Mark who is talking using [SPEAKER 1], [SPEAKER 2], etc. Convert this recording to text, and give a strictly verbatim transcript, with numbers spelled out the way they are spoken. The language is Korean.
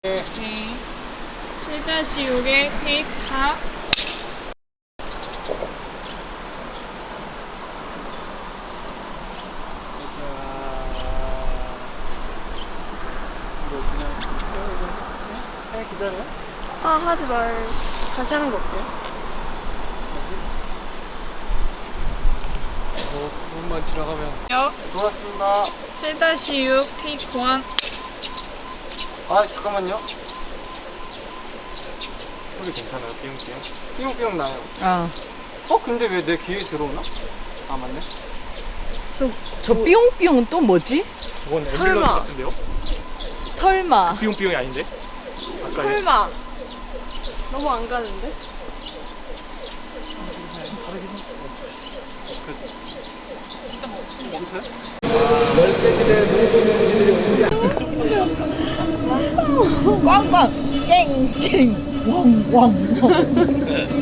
[SPEAKER 1] 오케이. 칠 육에 테이크 사.
[SPEAKER 2] 그냥 기다려.
[SPEAKER 3] 아 하지 말. 다시 하는 거 어때요?
[SPEAKER 2] 어, 부분만 지나가면.
[SPEAKER 1] 요.
[SPEAKER 2] 고맙습니다.
[SPEAKER 1] 칠 육 테이크 일.
[SPEAKER 2] 아, 잠깐만요. 소리 괜찮아요? 삐용삐용? 삐용삐용 나요.
[SPEAKER 4] 아,
[SPEAKER 2] 어, 근데 왜 내 귀에 들어오나? 아, 맞네.
[SPEAKER 4] 저, 저 삐용삐용은 또 뭐지?
[SPEAKER 2] 저건
[SPEAKER 3] 설마.
[SPEAKER 2] 앰뷸런스 같은데요?
[SPEAKER 4] 설마.
[SPEAKER 2] 삐용삐용이 아닌데? 아까
[SPEAKER 3] 설마. 너무 안 가는데?
[SPEAKER 4] 꽝꽝 깽깽 왕왕왕